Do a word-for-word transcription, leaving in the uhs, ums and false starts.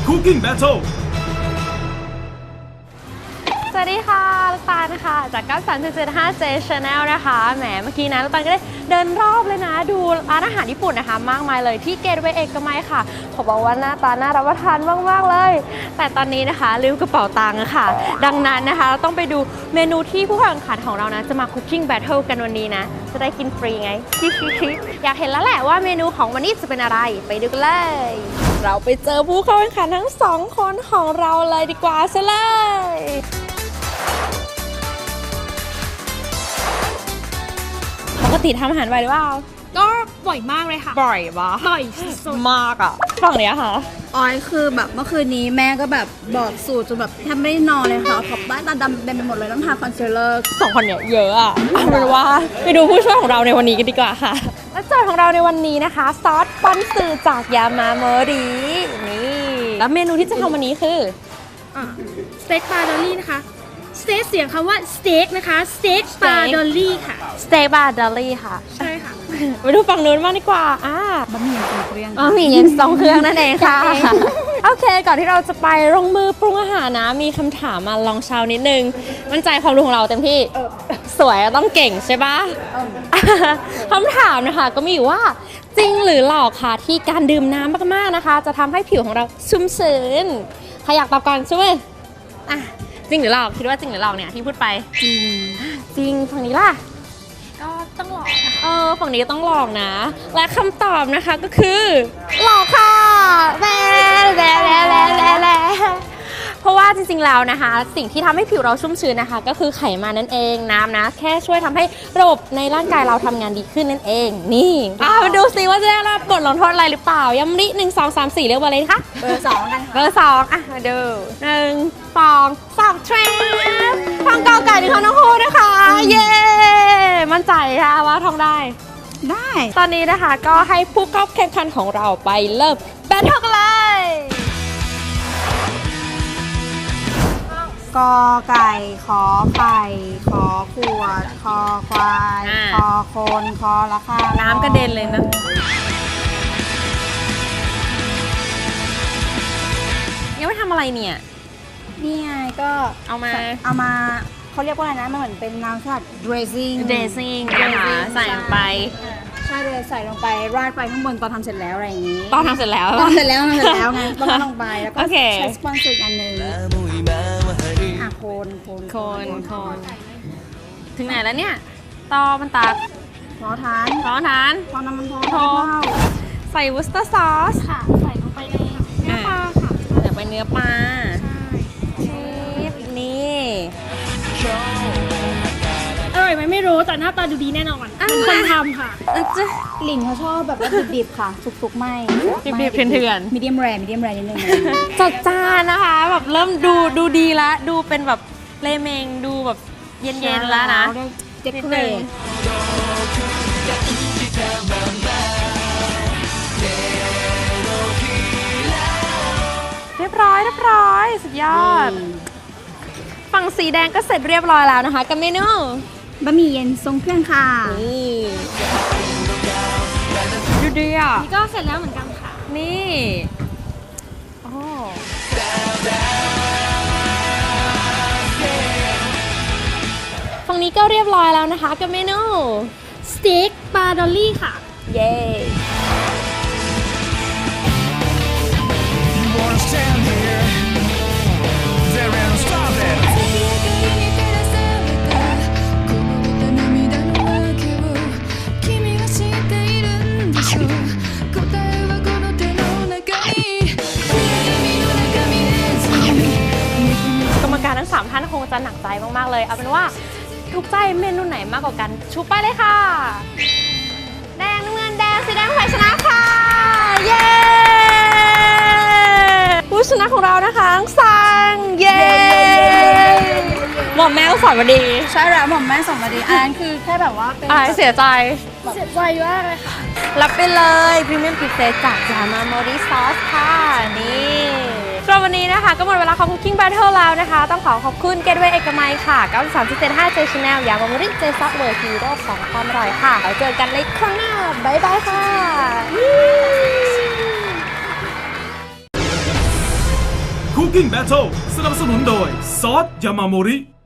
Cooking Battle สวัสดีค่ะลูกตาลนะคะจากเก้าสาม เจ็ด เจ็ด ห้า เจ Channel นะคะแหมเมื่อกี้นะลูกตาลก็ได้เดินรอบเลยนะดูร้านอาหารญี่ปุ่นนะคะมากมายเลยที่เกตเวย์เอกมัยค่ะขอบอกว่าหน้าตาน่ารับประทานมากๆเลยแต่ตอนนี้นะคะลืมกระเป๋าตังค์ค่ะดังนั้นนะคะเราต้องไปดูเมนูที่ผู้แข่งขันของเรานะจะมา Cooking Battle กันวันนี้นะจะได้กินฟรีไง อยากเห็นแล้วแหละว่าเมนูของวันนี้จะเป็นอะไรไปดูกันเลยเราไปเจอผู้เข้าแข่งขันทั้งสองคนของเราเลยดีกว่าซะเลยปกติทำอาหารบ่อยหรือเปล่าก็บ่อยมากเลยค่ะบ่อยปะบ่อยสุดมากอ่ะฝั่งเนี้ยค่ะออยคือแบบเมื่อคืนนี้แม่ก็แบบบอกสูตรจนแบบแทบไม่ได้นอนเลยค่ะขอบบ้านตาดำเต็มไปหมดเลยต้องทาคอนซีลเลอร์สองคนเนี่ยเยอะอ่ะเอาเป็นว่าไปดูผู้ช่วยของเราในวันนี้กันดีกว่าค่ะและโจทย์ของเราในวันนี้นะคะซอสปอนซึจากยามาโมรินี่แล้วเมนูที่จะทำวันนี้คือสเต็กปลาดอลลี่นะคะสเต็กเสียงคำว่าสเต็กนะคะสเต็กปลาดอลลี่ค่ะสเต็กบาร์ดอลลี่ค่ะใช่ค่ะไปดูฝั่งนู้นบ้างดีกว่าอ่าบะหมี่ทรงเครื่องอ๋อมีเย็นสองเครื่องนั่นเองค่ะ โอเค ก่อนที่เราจะไปลงมือปรุงอาหารนะ มีคำถามมาลองเชานิดนึง มั่นใจความรู้ของเราเต็มที่ สวยต้องเก่งใช่ปะคำถามนะคะก็มีอยู่ว่าจริงหรือหลอกค่ะที่การดื่มน้ำมากๆนะคะ จะทำให้ผิวของเราชุ่มชื้นใครอยากตอบก่อนช่วยอ่ะจริงหรือหลอกคิดว่าจริงหรือหลอกเนี่ยที่พูดไปจริงจริงฝั่งนี้ล่ะก็ต้องหลอกนะคะเออฝั่งนี้ต้องหลอกนะ และคำตอบนะคะก็คือหลอกค่ะแบ๊แบ๊แบ๊แบ๊แบ๊แบ๊เพราะว่าจริงๆแล้วนะคะ สิ่งที่ทำให้ผิวเราชุ่มชื้นนะคะ ก็คือไขมันนั่นเองน้ำนะ แค่ช่วยทำให้ระบบในร่างกายเราทำงานดีขึ้นนั่นเอง นี่อ่ะมาดูซิว่าจะได้รับบทลงโทษอะไรหรือเปล่าย้ำริหนึ่งสองสามสี่เรียกว่าอะไรคะเบอร์สองกันเบอร์สองอ่ะมาดูหนึ่งสองสามเทรนฟังเกาไก่ถึงเขาน้องคู่นะคะ เย้มั่นใจค่ะว่าท่องได้ได้ตอนนี้นะคะก็ให้ผู้เข้าแข่งขันของเราไปเริ่มแบทเทิลกันเลยกอไก่ขอไข่ขอขวดคอควายคอโคนคอละข้าน้ำกระเด็นเลยนะยังไม่ทำอะไรเนี่ยนี่ไงก็เอามาเอามาเขาเรียกว่าอะไรนะมันเหมือนเป็นน้ำสลัด dressing dressing นะคะใส่ลงไปใช่เลยใส่ลงไปราดไปข้างบนตอนทำเสร็จแล้วอะไรอย่างนี้ตอนทำเสร็จแล้วตอนเสร็จแล้วทำเสร็จแล้วไงต้องราดลงไปแล้วก็โอเคใช้สปอนเซอร์อีกอันหนึ่งอ่ะโคนโคนโคนโคนถึงไหนแล้วเนี่ยตอมันตักพอทานพร้อมทานพอน้ำมันพอพอ ใส่วูสเตอร์ซอสค่ะใส่ลงไปในเนื้อปลาค่ะใส่ไปเนื้อปลาชีสนี่อร่อยไหมไม่รู้แต่หน้าตาดูดีแน่นอนเป็นคนทำค่ะอ่ะจ๊ะหลินเขาชอบแบบว่าดิบๆค่ะสุกๆไม่ดิบๆเถื่อนๆมีเดียมแรร์มีเดียมแรร์นิดนึงจัดจานนะคะแบบเริ่มดูดูดีละดูเป็นแบบเลเมงดูแบบเย็นๆแล้วนะเด็กเกรดเรียบร้อยเรียบร้อยสุดยอดฝั่งสีแดงก็เสร็จเรียบร้อยแล้วนะคะกับเมนูบะหมี่เย็นทรงเครื่องค่ะนี่ดูดีอ่ะนี่ก็เสร็จแล้วเหมือนกันค่ะนี่โอ้ฝั่งนี้ก็เรียบร้อยแล้วนะคะกับเมนูสเต็กปลาดอลลี่ค่ะเย้ wanna stand here there and stop it กรรมการทั้งสามท่านคงจะหนักใจมากๆเลยเอาเป็นว่าถูกใจเมนูไหนมากกว่ากันชูป้ายเลยค่ะแดงน้ำเงินแดงสีแดงฝ่ายชนะค่ะเย้ผู้ชนะของเรานะคะอังซังเย้หมอมแม่ก็สอนมาดีใช่แล้วหม่อมแม่ส่งมาดีอันนั้นคือแค่แบบว่าเป็นอายเสียใจเสียใจมากเลยค่ะรับไปเลยพรีเมียมพิเศษจากยามาโมริซอสค่ะนี่สำหรับวันนี้นะคะก็หมดเวลาของ Cooking Battle แล้วนะคะต้องขอขอบคุณ Gateway เอกมัยค่ะเก้าสาม เจ็ด ห้า เจ Channel ยามาโมริเจซอสเวอร์ฮีโร่ของความอร่อยค่ะแล้วเจอกันในครั้งหน้าบ๊ายบายค่ะ Cooking Battle สนับสนุนโดยซอสยามาโมริ